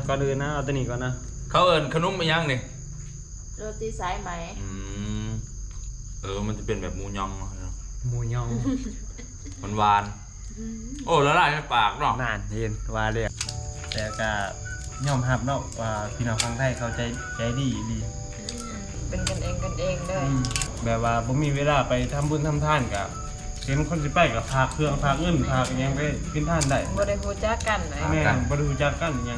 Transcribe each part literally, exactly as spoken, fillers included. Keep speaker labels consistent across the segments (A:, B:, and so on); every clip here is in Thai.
A: ก่อนอื่นนะเอาตัวนี้ก่อนนะ
B: เขาเอิญขนมไม่ยังนี่
C: โรตีสายไหม
B: อืมเออมันจะเป็นแบบหมูยอง
A: หมูยอง
B: มันหวานโอ้ละลายในปากเนาะ
A: นานเห็นว่าเลยแต่ก็ยอมรับเนาะว่าพี่น้องฟังไทยเขาใจใจดีดี
C: เป็นกันเองกันเองเลย
A: แบบว่าผมมีเวลาไปทำบุญทำทานกับเห็นคนสิไปกับพาเครื่องพาเงินพายังไปกินท่านได้
C: บ่ได้รู้จักกันเลย
A: แม่บ่ได้รู้จักกันยัง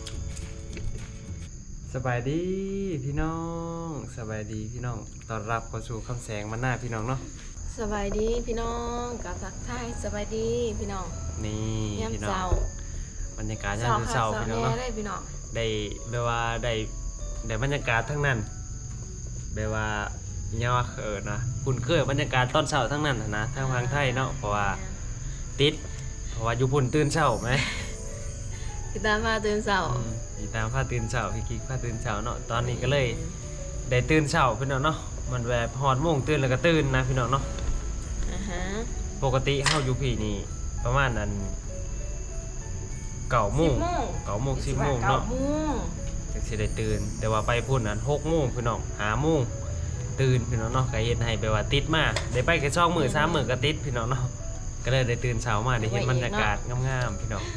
A: สบายดีพี่น้องสบายดีพี่น้องต้อนรับเข้าสู่คำแสงมาหน้าพี่น้องเนาะ
C: สบายดีพี่น้องกับทักทายสบายดีพี่น้อง
A: นี่พี่น้องบรรยากาศยามเช้าพี่น้องเนาะได้แบบว่าได้ได้บรรยากาศทั้งนั้นแบบว่าเนี่ยว่าเออนะคุณเคยบรรยากาศตอนเช้าทั้งนั้นนะทางทางไทยเนาะเพราะว่าติดเพราะว่าอยู่พุ่นตื่นเช้าไหม
C: พี่ตามพาตื่นเช้า
A: พี่ตามพาตื่นเช้าพี่กิ๊กพาตื่นเช้าเนาะตอนนี้ก็เลยได้ตื่นเช้าพี่น้องเนาะมันแบบฮอดโมงตื่นแล้วก็ตื่นนะพี่น้องเนาะปกติเฮาอยู่พี่นี่ประมาณนั้นเก้าโมงเก้าโมงสิบโมงเนาะจังสิได้ตื่นแต่ว่าไปพุ่นนั้นหกโมงพี่น้องห้าโมงตื่นพี่น้องเนาะก็เฮ็ดให้ไปว่าติดมาได้ไปแค่สองมื้อสามมื้อก็ติดพี่น้องเนาะก็เลยได้ตื่นเช้ามาได้เห็นบรรยากาศงามๆพี่น้อง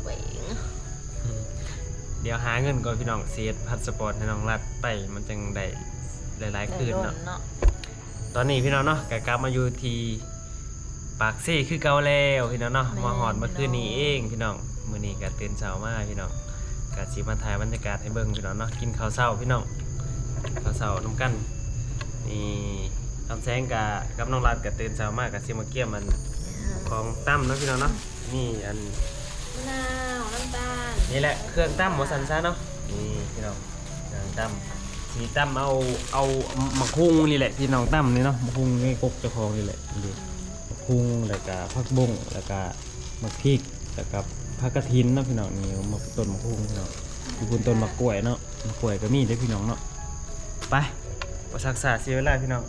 A: เดี๋ยวหาเงินก่อนพี่น้องเสียพาสปอร์ตให้น้องรัดไปมันจังได้หลายๆคืนเนาะตอนนี้พี่น้องเนาะก็กลับมาอยู่ที่ปากซี่คือเก่าแล้วพี่น้องเนาะมาหอดเมื่อคืนนี้เองพี่น้องมื้อนี้ก็ตื่นเช้ามาพี่น้องก็สิมาถ่ายบรรยากาศให้เบิ่งพี่น้องเนาะกินข้าวเช้าพี่น้องข้าวเช้านำกันนี่คำแสงกับกับน้องรัดก็ตื่นเช้ามากก็สิมาเกี่ยมมันของตั้มเนาะพี่น้องเนาะนี่อัน
C: มะนาวน้ำตาล
A: นี่แหละเครื่องตั้มหมูสันซ่าเนาะนี่พี่น้องเครื่องตั้มสีตั้มเอาเอามะคุงนี่แหละพี่น้องตั้มนี่เนาะมะคุงนี่กกเจ้าของนี่แหละดูมะคุงแล้วก็ผักบุ้งแล้วก็มะพริกแล้วก็ผักกระถินเนาะพี่น้องนี่มะต้นมะคุงพี่น้องอยู่บนต้นมะกล้วยเนาะมะกล้วยก็มีด้วยพี่น้องเนาะไปประสักษาเสียเวลาพี่น้อง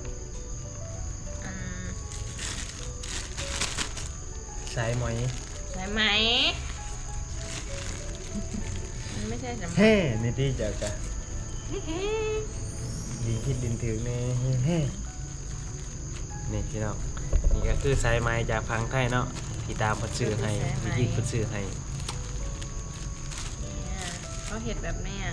A: ใส่ไหม
C: ใส่ไหมมันไม่ใช่ใช่ไหม
A: เฮ้นี่ที่จะกะดินคิดดินถือเนี่ยเฮ้นี่พี่น้องนี่ก็คือสายไม้จากพังไทยเนาะพี่ตามพัดซื้อให้พี่กิ๊กพัดซื้อให้
C: เขาเห็ดแบบนี้อ่ะ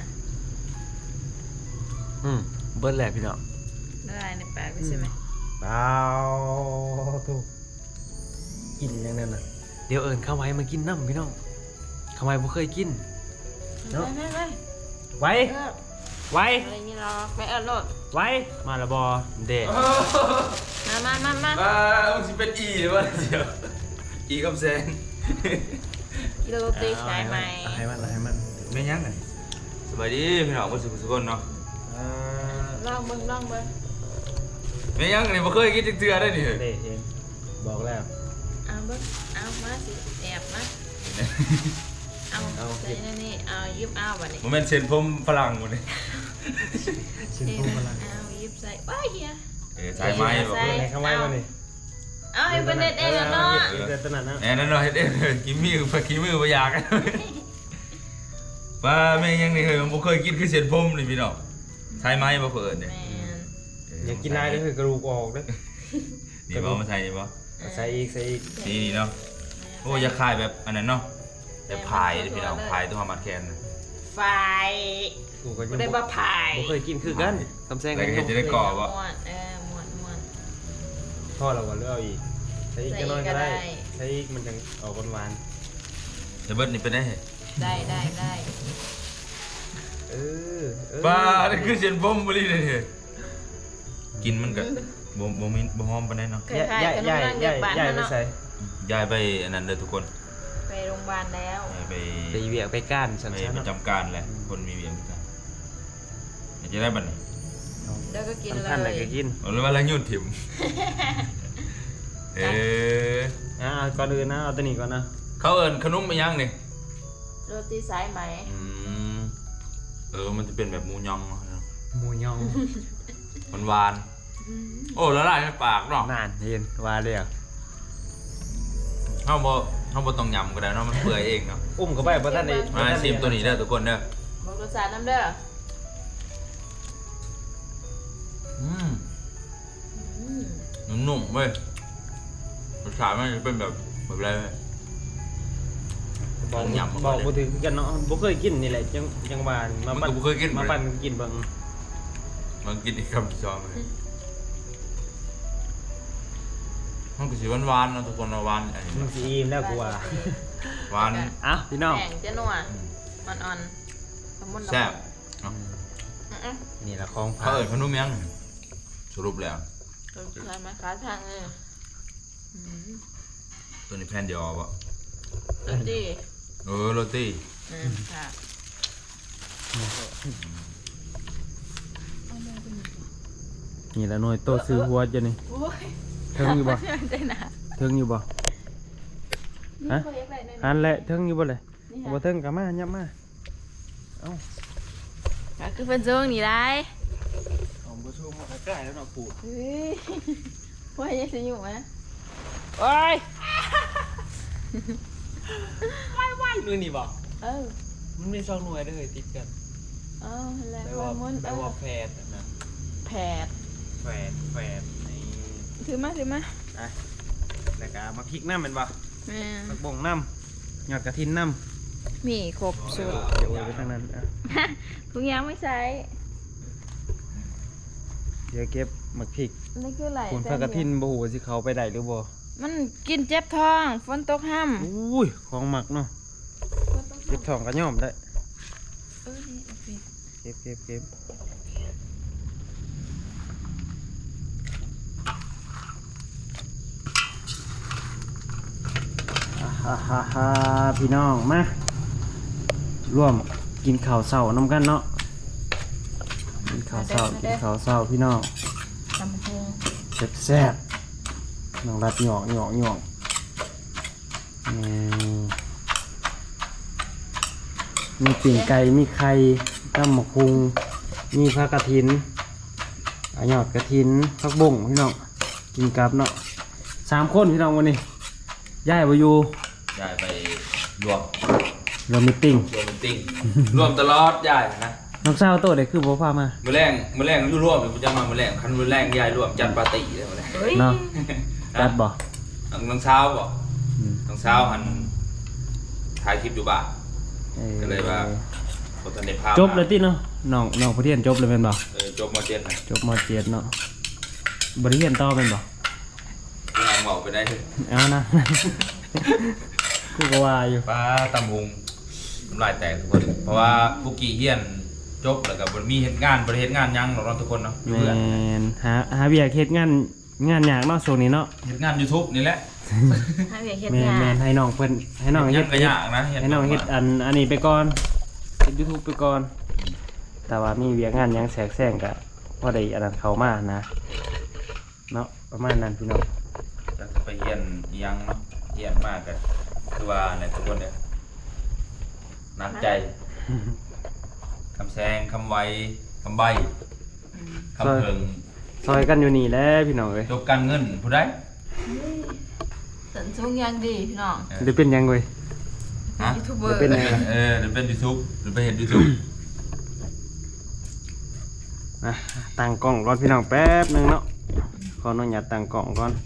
A: อืมเบิ้ลแหละพี่น้อง
C: ได้ในปากใช่ไหม
A: เปล่าถูกกินอย่างนั้นน่ะเดี๋ยวเอิญเข้าไว้มากินน้ำพี่น้องเข้าไว้บ่เคยกิน
C: เนาะ
A: ไว้ไว้
C: อะไรนี่หรอไม่เอิญโลด
A: ไว้มาละบอเด็ก
C: มามามามา
B: อ่ามันจะเป็นอีหรือว่าเดี๋ยวอีกับแซน
C: โรตีสายไหม
A: ให้มันให้มัน
B: ไม่ยั้งไงสบายดีพี่น้องก็สุขสุขคนเนาะ
C: ลองเบิ้งลองเบิ้ง
B: ไม่ยั้งเลยบ่เคยกินเจือได้ดิ
A: เด็กเองบอกแล้ว
C: เอาเบิ้งเอามาสิแอบมาเอาใส่นี่เอายิบเอาแบบนี้
B: มันเป็นเส้นผมฝรั่งหมดเลย
A: เส้นผมฝรั่ง
C: เอายิบใส่ว้ายเฮีย
B: เออใส่ไม้
A: บอกเลยเข้าไม้มาดิ
C: เอาให้เป็นเด็ดเองเนาะ
A: เด็ดตนั่นนะ
B: แอนนั่นหน่อยเด็ดกินมือผักกินมือไปอยากกันป้าแม่ยังนี่เคยผมเคยกินคือเส้นผมนี่พี่น้องใช้ไม้มาเปิดเนี่ย
A: อยากกินได้ก็คือกระดูกออกด้วย
B: นี่บอกมาใส่นี่บอก
A: ใส่อีกใส่อีก
B: นี่นี่เนาะโอ้ยาคายแบบอันนั้นเนาะแต่พายพี่น้องพายตัวมาแคน
C: ไฟไม่ได้ว่าพาย
A: ผมเคยกินคือกันคำแซงกัน
B: จะได้กรอบวะ
C: เออม้วนม้วน
A: ทอดเราก็เลือกอีกใส่อีกก็น้อยก็ได้ใส่อีกมันจะออกหวาน
B: จะเบิร์ดนี่เป็นได้
C: ได้ได้ได้
A: เออ
B: ป้านี่คือเส้นผมบริเลยกินมันกับบ่บ่มีบ่หอมปานใดเนาะ
A: ย้ายย้ายย้ายย้ายย้ายไปใส่
B: ย้ายไปอันนั้นเลยทุกคน
C: ไปโรงพยาบาลแล้ว
B: ไป
A: ไปเวียกไปก้าน
B: ฉันไปประจำการแหละคนมีเวียกกันจะได้บัดนี้
C: แล้วก็กินเลย
A: ท่านอะไรก็กิน
B: หรือว่าอะไรยุ่นถิ่มเออ
A: อ่าก่อนอื่นนะเอาตัวนี้ก่อนนะ
B: เขาเอิญขนมไม่ยังนี่
C: โรตีสายไหม
B: อืมเออมันจะเป็นแบบหมูยอง
A: หมูยอง
B: มันหวานโอ้ละลายในปากเนาะ
A: นานเห็นว่าเลย
B: เฮาบ่เขาบ่ต้องยำก็ได้เนาะมันเปื่อยเองเนาะ
A: อุ้มเข้าไปบ่ทันได้
B: มาชิมตัวนี้เด้อทุกคนเด้อ
C: บอกรสชาติน้ำเด้อ
B: อืม
C: อืม
B: นุ่มๆเว้ยรสชาติมันจะเป็นแบบแบบอะไรเว้ย
A: บอก
B: ต้องยำมาก่
A: บ
B: อ
A: อน ก
B: เลย
A: บ่ถึงกันเนาะบ่เคยกินนี่แหละจังจังว่ามา
B: มัน
A: ปั่น
B: ก็บ่เคยกิน
A: มาปั่นกินเบิ่ง
B: มันกินอีกคำที่สองเลยมันก็สีหวานๆเนาะทุกคนเนาะหวานอันนี้
A: มันสิอิ่มแล้วกูว่า
B: หวาน
A: อ่ะพี่น้อง
C: แป้งเจ้าหนัวอ่อนๆละมุนละมุน
B: แซ่บเนาะ
C: อืม
A: นี่ละของ
B: เขา
A: ฝาก
B: เอ่ยขนมยังสรุปแล้ว
C: ๆรสชาติไหมคะทางเอออืม
B: ตัวนี้แผ่นเดียวเอาปะ
C: รสดี
B: เออโรตี
C: อืมค่ะ
A: นี่ละหน่วยโตซื้อหัวจะนี่
C: โอ้ย
A: เทิงอยู่บ่
C: ใจหนา
A: เทิงอยู่บ่ ฮะ
C: นี่เขาเรียกอะไรเนี่ย
A: หันแหละเทิงอยู่บ่เลย
C: นี่
A: บ่
C: ค่ะ
A: เทิงก็มายับมาเอ้า
C: ก็คือเป็นช่วงนี้ได้
A: ของบ่ชูมาใกล้แล้วเนาะปูด
C: เฮ้ยว่ายังจะอยู่ไหม
A: โอ้ยว้ายๆมือนี่บ่
C: เออ
A: มันมีสองหน่วยเด้อติดกัน
C: เออแล้ว
A: แปล
C: ว่า
A: ว่า
C: มุน
A: แป
C: เอ
A: ลว่า
C: อ
A: แฝดนะ
C: แผด
A: แฝดแฝดใน
C: ถือมาถือมา
A: อ่ะแล้วก็มาพริกน้ำแม่นบ่
C: แม่
A: ผักบ่งน้ำยอดกระถินน้ำ
C: มีครบสุด
A: เดี๋ยวไว้ไปทางนั้นอ่ะ
C: ทุกอย่างไม่ใช้
A: เดี๋ยวเก็บหมักพริก
C: นี่คืออะไร
A: คุณผักกระถินบ่ฮู้ว่าสิเขาไปได้หรือบ่
C: มันกินเจ็บท้องฝนตกห้ำ
A: อุ้ยของหมักเนาะเก็บทองก็ย่อมได้
C: เออนี่เอาไป
A: เก็บเก็บเก็บอ่าฮ่าฮ่าฮ่าพี่น้องมาร่วมกินข้าวเช้าน้ำกันเนาะกินข้าวเช้ากินข้าวเช้าพี่น้อง
C: ตำโพง
A: แซ่บแซ่บน้องรัดหยอกหยอกหยอกอืมมีปิ่งไก่มีไข่ตำหมกพุงมีผักกระถินอะหยอดกระถินผักบุ้งพี่น้องกินกับเนาะสามคนพี่น้องวันนี้ย้ายไปอยู่
B: ยายไปรวม
A: รวมมิตติ้ง
B: รวมเป็นติ้งรวมตลอดยายนะ
A: น้องสาวโตเด็กคือบ่พามา
B: มื้อแรงมื้อแรงอยู่รวมเดี๋ยวกูจะมามื้อแรงคันมื้อแรงยายรวมจัดปาร์ตี้เลยมื้อแรง
C: เฮ้ย
A: เนาะจัดบ่
B: น้องเช้าบ่
A: อืม
B: น้องเช้าหันถ่ายคลิปอยู่บ้าน
A: เอ่อ
B: ก็เลยว่า บ่ทันได้พา
A: จบเลยติเนาะน้องน้องผู้เรียนจบเลยแม่นบ่
B: เออจบมเจ็ดนะ
A: จบมเจ็ดเนาะบริเรียนต่อเป็นบ่
B: กูยังเว้าไปได้เด้อ
A: เอานะ กูก็ว่าอยู่
B: ป้าตำหุงน้ำลายแตกทุกคนเพราะว่าปุกกี้เฮียนจบแล้วก็บ่มีเฮ็ดงานบ่ได้เฮ็ดงานหยังหรอกเนาะทุกคนเนาะอยู่
A: แม
B: เพื่อน
A: นหาหาเบียกเฮ็ดงานงานยากเนาะช่วงนี้เนาะ
B: เฮ็ดงาน YouTube นี่แหละ
C: ให้เวียเฮ็ด
A: แมน
C: งา
A: แม
C: น
A: นให้น้องเพิ่นให้น้อง
B: ยั
A: เฮ็
B: ง
A: ด
B: ก็ยากนะ
A: ให้น้องเฮ็ดอันอันนี้ไปก่อนเฮ็ด YouTube ไปก่อน แต่ว่ามีเวียกงานหยังแทรกแซงก็พอได้อันนั้นเข้ามานะเนาะประมาณนั้นพี่น้อง
B: จะไปเฮียนอิหยังเนาะเฮียนมากก็คือว่าเนี่ยทุกคนเนี่ยหนักใจคำแซงคำไวคำใบคำเพิง
A: ซอยกันอยู่นี่แหละพี่น้องเอ้ย
B: จบการเงินผู้ใด
C: สันช่วงยังดีพี่น้อง
B: เออ
A: ได้เป็นหยังเว้ย
B: ฮะ
C: ยูทูบเบอ
A: จะ
C: ร์
A: เป็นไง
B: เออหรือเป็น YouTube หรือไปเห็น YouTube
A: อ่ะตั้งกล้องก่อนพี่น้องแป๊บหนึงเนาะขออนุญาตตั้งกล้องก่อน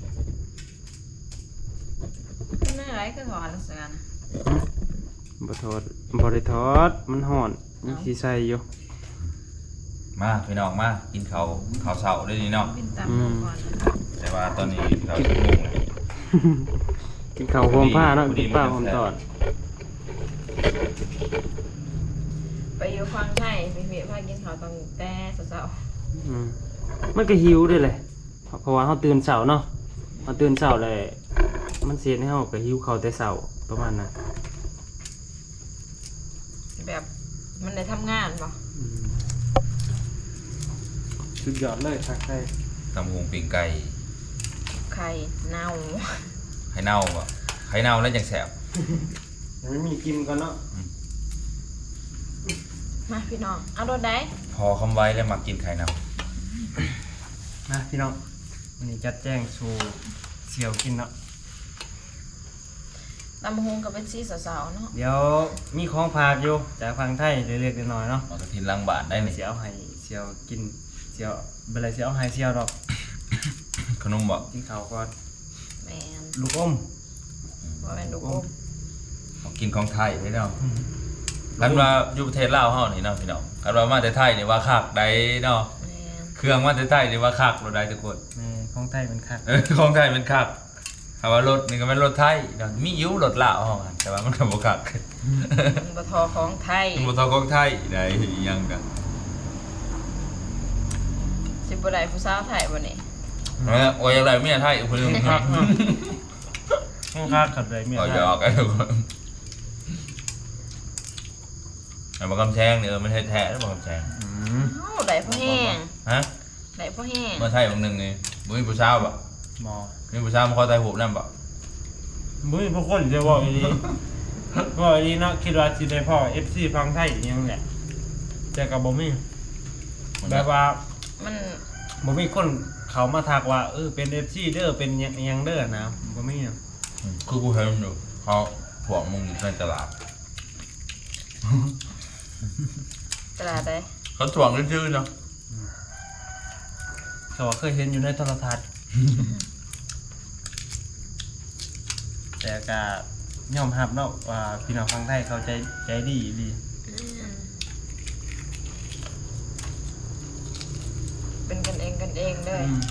C: เป็นอะไรก็ถอดลักษณะ
A: บ่ทอดบ่ได้ทอดมันฮ้อนยังสิใส่อยู่
B: มาพี่น้องมากินข้าวข้าวเช้าได้นี่เนาะ
C: เป็นตามโมก่อน
B: แต่ว่าตอนนี้เราจะงงเลย
A: กินข้าวโฮมผ้าเนาะ
B: พอดี
A: กินป้า
B: พ
A: โฮ
B: อดี
A: มตอด
C: ไปอยู่ฟังไทยไปเวียพากินข้าวตอนแต่เช้า
A: อืมมันก็หิวด้วยเลยเพราะเพราะว่าเฮาตื่นเช้าเนาะเฮาตื่นเช้าเลยมันเสียให้เฮาก็หิวข้าวแต่เช้าประมาณนั้น
C: ๆแบบมันได้ทำงานป่ะ
A: อืมสุดยอดเลยทักไทย
B: ตำหงปิ่งไก่
C: ไข่เน่า
B: ไข่เน่าบ่ไข่เน่าแล้วยังแสบ
A: ยังไม่มีกินก่อนเนาะ
C: มาพี่น้องเอารถได้
B: พอคำไว้แล้วมากินไข่เน่า
A: นะพี่น้องวันนี้จัดแจ้งสู่เสี่ยวกินเนาะ
C: ตำบักหุงก็เป็นสีสาวๆเนาะ
A: เดี๋ยวมีของฝากอยู่จากฟังไทยเล็กๆน้อยๆเนาะ
B: เอากระทินล้างบาทได้นี่
A: เสียวให้เสียวกินเสียวเบลาเสียวให้เสียวดอก
B: ขนมบ่
A: กินข้าวก่อน
C: แม่น
A: ลูกอม
C: บ่แม่นลูกอม
B: ของกินของไทยได้เนาะคันว่าอยู่ประเทศลาวเฮานี่เนาะพี่น้องคันว่ามาแต่ไทยนี่ว่าคักได้เนาะ
C: แม่น
B: เครื่องมาแต่ไทยนี่ว่าคักเราได้ทุกคน
A: แม่ของไทยเป็นคัก
B: เออของไทยเป็นคักถ้าว่ารถนี่ก็เป็นรถไทยเนาะมีอยู่รถลาวเฮาอะแต่ว่ามันก็บ่คัก
C: มันบ่ทอของไทย
B: บ่เท่าของไทยได้อีหยังกัน
C: สิบ่ได้ผู้สาวไทยบ่นี่
B: เออโอ้ยอะไรเมียไทยอีกคนหนึง
A: คักเนาะของคักขัดเลยเมีย
B: ก็
A: ไท
B: หย
A: ย
B: อกกันทุกคนไอ้บ่กำแพงนี่เออมันแท้ๆแล้วบ่กำแพง
A: อืม
C: เอ้าได้พ่อแห้ง
B: ฮะ
C: ได้พ่อแห้ง
B: เมื่อไทยบางหนึงนี่บ่มีผู้ชายบ่
A: หมอ
B: มีผู้ชายมาขอถ่ายรูปนำบ่
A: บุ้ยพวกคนจะบอกอีนี้บอกอีนี้เนาะคิดว่าสิได้พ่อ เอฟ ซี ฟังไทยอีหยังแหละแต่ก็บ่มีแบบว่า
C: มัน
A: บ่มีคนเขามาทักว่าเออเป็น เอฟ ซี เด้อเป็นหยังหยังเด้อนะบ่มีอะ
B: อืมคือกูเห็นอยู่เขาพวกมึงอยู่ในตลาด
C: ตลาดใด
B: เขาถ่วงชื่อๆเนาะ
A: เขาว่าเคยเห็นอยู่ในโทรทัศน์ แต่ก็ยอมรับเนาะว่าพี่น้องฟังไทยเขาใจใจดีดี
C: อืมเป็นกันเองกันเองเลย
A: อืม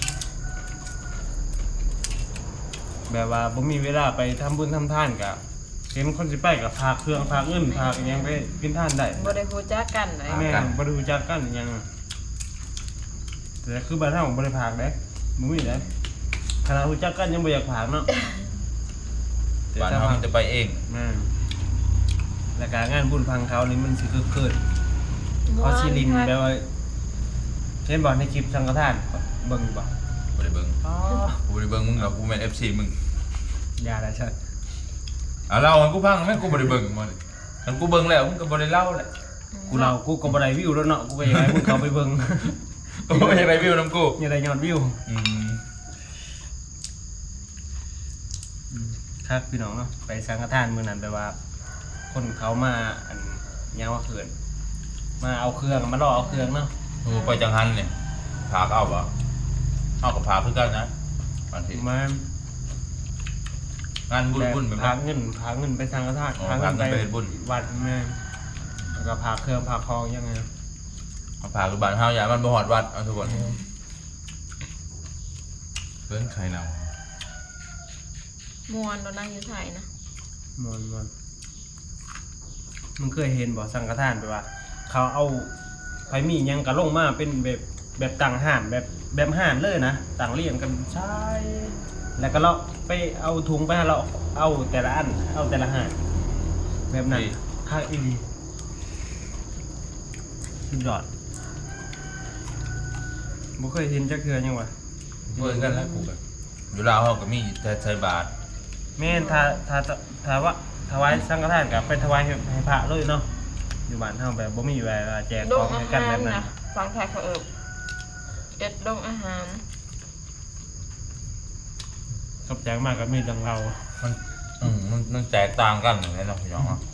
A: แบบว่าบ่มีเวลาไปทำบุญทำทานก็เห็นคนสิไปก็พาเครื่องพาเงินพาอิหยังไปกินทานได้
C: บ่ได้รู้จักกันเลย
A: แม่บ่ได้รู้จักกันอิหยังแต่คือบ้านเฮาบ่ได้พากเด้บ่มีเด้ขนาดรู้จักกันยังบ่อยากพากเนาะ
B: บ้านเขามันจะไปเอง
A: แม่นแล้วก็งานบุญพังเขานี่มันสิคึกคืน
C: ม่ว
A: เขาชิลิน
C: คัก
A: แบบว่าเห็นบ่ในคลิปสังฆทานเบิ่งบ่
B: บ่ได้เบิ่ง
A: อ๋อ
B: กูบ่ได้เบิ่งมึงหรอกกูเป็น เอฟ ซี มึง
A: อย่าละเชิด
B: เอาเล่าให้กูฟังแม่งกูบ่ได้เบิ่งมาเลยคันกูเบิ่งแล้วมึงก็บ่ได้เล่าแหละ
A: กูเรากูก็บ่ได้วิวแล้วเนาะกูก็อยากให้มึงเข้าไปเบิ่ง
B: กูบ่ได้รีวิวนำกู
A: อย่าได้ยอดวิว
B: อืม
A: ครับพี่น้องเนาะไปสังฆทานมื้อนั้นแปลว่า คนเขามาอันยางว่าเขื่อนมาเอาเครื่องมาล่อเอาเครื่องเนาะ
B: กูไปจังหันเนี่ยพาก็เอาบ่เอากับพาคือกันนะบางที
A: มาง
B: านบุญบุญแบบ
A: พา
B: นั้น
A: เงินพาเงินไปสังฆทาน
B: อ๋อ
A: พาเงิน
B: พาเงิ
A: ไป
B: นไปเฮ็ดบุญ
A: วัดแม่แล้วก็พาเครื่องพาคองยังไง
B: เอาพาคือบ้านเฮาอย่ามันบ่ฮอดวัดเอาทุกคนเพิ่นใครนำ
C: มวนเรานั่งอยู่ไทยนะ
A: มวนมวนมึงเคยเห็นบ่สังฆทานแปลว่า เขาเอาไผมีหยังกะลงมาเป็นแบบแบบต่างห่านแบบแบบห่านเลยนะต่างเรียงกันใช่แล้วก็เราไปเอาถุงไปให้เราเอาแต่ละอันเอาแต่ละห่านแบบนั้นค่าอีดีสุดยอดบ่เคยเห็นจักเทื่อยังวะ
B: เพิ่นกันแล้วกูก็อยู่ลาวเฮาก็มีแต่ใส่บาตร
A: แม่นถ้าถ้าถ้าว่าถวายสังฆทานก็ไปถวายให้ให้พระเลยเนาะอยู่บ้านเฮาแบบบ่มีแบบว่าแจก
C: ด
A: ของ ง
C: อา
A: ให้กัน
C: หา
A: แบ
C: ร
A: บนั้น
C: นะฟังไทยเขาเอิบเอ็ดดงอาหาร
A: ขอบใจมากก็มีดังเรา
B: มันอืมมันมันแตกต่างกันอย่างนี้เนาะพี่น้องเนาะ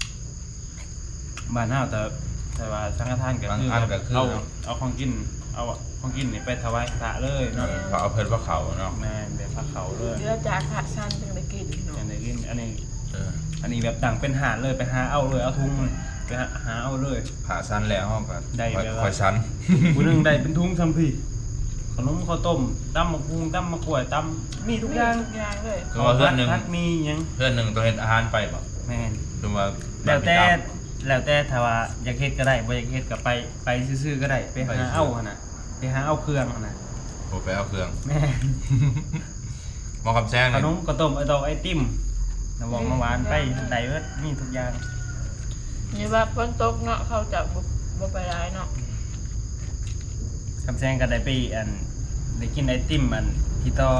A: บ้านเฮาแต่แต่ว่าสังฆทานก็คือบ
B: างอันก็คือ
A: เอาเอาของกินเอาของกินนี่ไปถวายพระเลย
B: เอ
A: เนาะ
B: อเขาเอาเพิ่นว่าเขาเนาะ
A: แม่นแบบพระเขาเลย
C: เรือจากขาสั้นจึงได้กินเนาะ
A: อันนี้กินอันนี้
B: เออ
A: อันนี้แบบดังเป็นหาดเลยไปหาเอาเลยเอาทุงเลยไปหาหาเอาเลย
B: ผ่าสั้นแล้วเฮาก็
A: ได้
B: ค่อย
A: เวลา
B: ค่อยสั้น
A: ผู้หนึงได้เป็นทุงซัมพี่ขนมข้าวต้มตำมะพุงตำมะกล้วยตำมีทุกอย่าง
C: ทุกอย่างเลย
B: คือว่าเพื่อนหนึง
A: พัดมีหยัง
B: เพื่อนหนึงต้องเฮ็ดอาหารไปบ่
A: แม่น
B: คือว่า
A: แล้วแต่แล้วแต่ถ้าว่าอยากเฮ็ดก็ได้บ่อยากเฮ็ดก็ไปไปซื่อๆก็ได้ไปหาเอาหั่นน่ะไปหาเอาเครื่องหั่นน่ะ
B: โอ้ไปเอาเครื่อง
A: แม่น
B: หมอคำแซง
A: ข
B: นี่
A: นมข้าวต้มไอดอกไอติมน้ำหวานน้ำหวานไปได้เบิดมีทุกอย่าง
C: นี่ว่าฝนตกเนาะเขาจะบ่บ่ไปร้ายเนาะ
A: คำแซงก็ได้ไปอันได้กินไอติมอันพี่ต่อ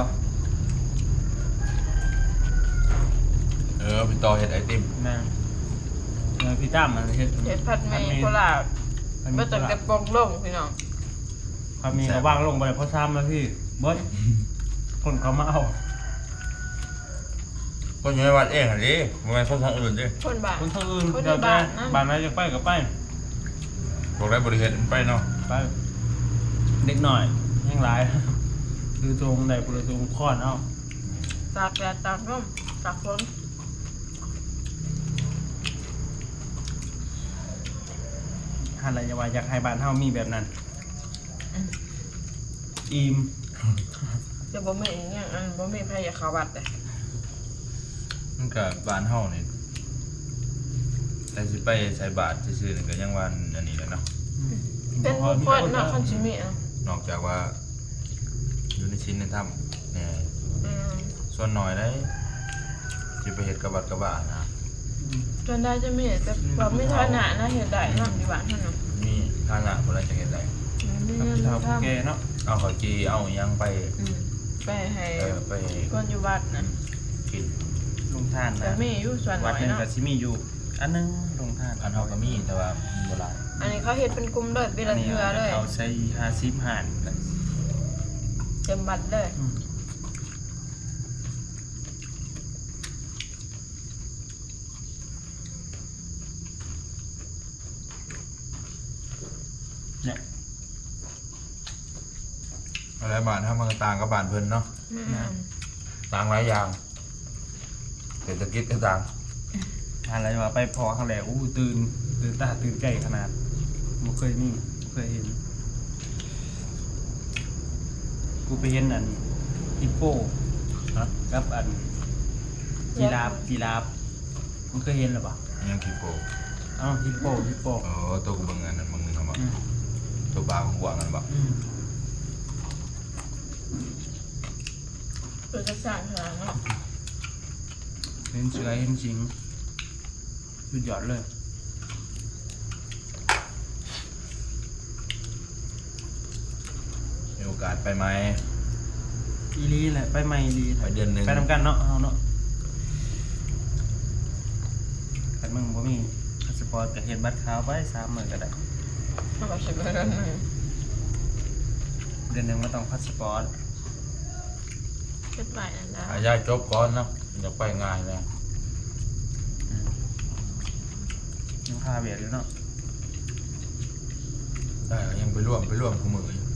B: เออพี่ต่อเฮ็ดไอติม
A: แม่นเออพี่ตั้มมันเฮ็ด
C: เห็ดผัดหมีโคราช
A: มัน
C: บ่
A: มี
C: ต้องกระปงลงพี่น้อง
A: เขามีเขาวางลงไปเพราะซ้ำแล้วพี่เบิดคนเขามาเอา
B: คนอยู่ในวัดเองอ่ะดิบ่แม่นคนทางอื่นดิ
C: คนบ้าน
A: คนทางอื่น
C: คนใน
A: เดี๋ยว
C: บ้า
A: แต่
C: นนะ
A: บ้านไหนจะไปก็ไป
B: บอกได้บริเหตุไปเนาะ
A: ไปเด็กหน่อยยังหลาย คือตรงใดปุระตรงค้อนเอา
C: ตากแดดตากลมตากฝน
A: หาอะไรจะว่าอยากให้บ้านเฮามีแบบนั้นอิ่ม
C: จะบ่มีอีกอย่างอันบ่มีไผอยากเข้าวัดเลย
B: มันก็บ้านเฮานี่แต่สิไปใส่บาตรซื่อๆนี่ก็ยังว่าอันนี้แหละเนาะ
C: เป็นบุคคลเนาะคันสิมีอ่ะ
B: นอกจากว่าอยู่ในชิ้นในถ้ำเนี่ย
C: อืม
B: ส่วนน้อยได้สิไปเฮ็ดกับวัดกับบ้านนะ
C: จนได้จะมีแต่บ่มีฐานะนะเฮ็ดได้เนาะที่บ้านเฮาเนาะ
B: มีฐานะบ่ได้จะเฮ็ดได้
C: มี
A: กับ
C: เงิน
A: พี่เฒ่า
C: ทำ
A: ผู้แก่เนาะ
B: เอาข้าวจีเอาอิหยังไป
C: อืมไปให้
B: เออไป
C: คนอยู่วัดนะ
B: กิน
A: ลงทาน
C: แต่
A: นะ
C: มีอยู่ส่วนน้
A: วัด
C: อย
A: หนึง
C: เนาะ
A: ก็สิมีอยู่ อันหนึงลงทาน
B: อันเฮาก็มีแต่ว่าบ่หลาย
C: อันนี้เขาเฮ็ดเป็นกลุ่มเลยปี
A: อั
C: ละ
A: นนี้
C: เทื่อเลย
A: เอาใช้ห้าสิบหาร
C: เต็มบัตรเลย
A: อืมเนี่ย
B: อะไรบ้านเฮามันก็ต่างกับบ้านเพิ่นเนาะ
C: อืม
B: ต่างหลายอย่างเศรษฐกิจก็ต่าง
A: อะไรว่าไปพอครั้งแรกอู้ตื่นตื่นตาตื่นใจขนาดบ่เคยมีบ่เคยเห็น กูไปเห็นอันฮิปโป
B: ฮะ
A: กับอันจีราฟจีราฟมึงเคยเห็นหรือเปล่า
B: อิหยังขี้โป
A: อ้าวฮิปโปฮิปโป
B: โอ้ตัวกูเบิ่งอันนั้นมึงนึงเอาบ่
A: อืม
B: ตัวบาของกวางกันบ่
A: อืม
C: เป็นกระสานขนาดเนาะ
A: เห็นเสือเห็นสิงสุดยอดเลย
B: มีโอกาสไปไหม
A: อีลีแหละไปใหม่อีลี
B: ไปเดือนหนึ่ง
A: ไปทำกันเนาะเอาเนาะกันมึงบ่มีพาสปอร์ตกับเห็นบัตรขาวไปสามหมื่นก็ได้
C: เอาไปสิบเดือนหนึง
A: เดือนหนึ่งมันต้องพาสปอร์ต
C: เฮ็ดไปนั่นล่ะ
B: หายายจบก่อนเนาะอยากไปง่ายเลย
A: อืมยังพาเบียดอยู่เนาะ
B: ได้ก็ยังไปร่วมไปร่วมคู่มืออยู่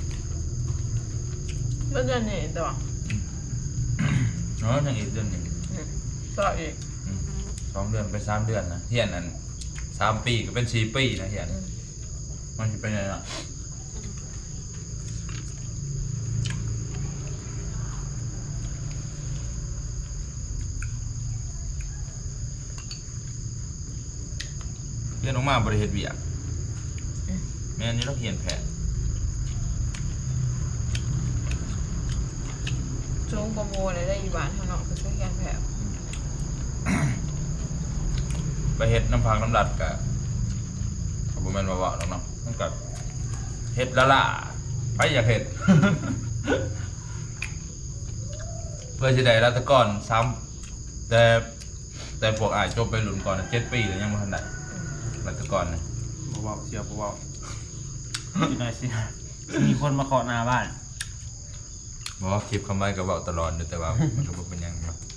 C: เมื่อเดือนนี้ตัว
B: เนาะยังอีกเดือนหนึง
C: อืมต่ออีก
B: อืมสองเดือนไปสามเดือนนะเฮียนอันสามปีก็เป็นสี่ปีนะเฮียน
C: อืม
B: มันจะเป็นยังไงล่ะเฮียนออกมาบริเหตุเบียกแม่นนี่เราเฮียนแผน
C: สูงกว่าโมเลยได้อีบ้านเฮาเนาะคือช่วยแกนแผล
B: ไปเฮ็ดน้ำพังน้ำดัดกะเขาบอกแม่นว่าว่าหรอกเนาะมันกับเฮ็ดละล่ะไปอยากเฮ็ด เพื่อจะได้รัตกรซ้ำแต่แต่พวกอายจบไปหลุนก่อนเจ็ดปีแล้วยังไม่ทันได้รัตกรเนี่ย
A: บ่เบาเชียวบ่เบาอีกหน่อยสิมีคนมาเคาะหน้าบ้าน
B: บอกว่าคลิปคำไว้ก็เว้าตลอดอยู่แต่ว่า มันก็บ่เป็นหยังเนาะ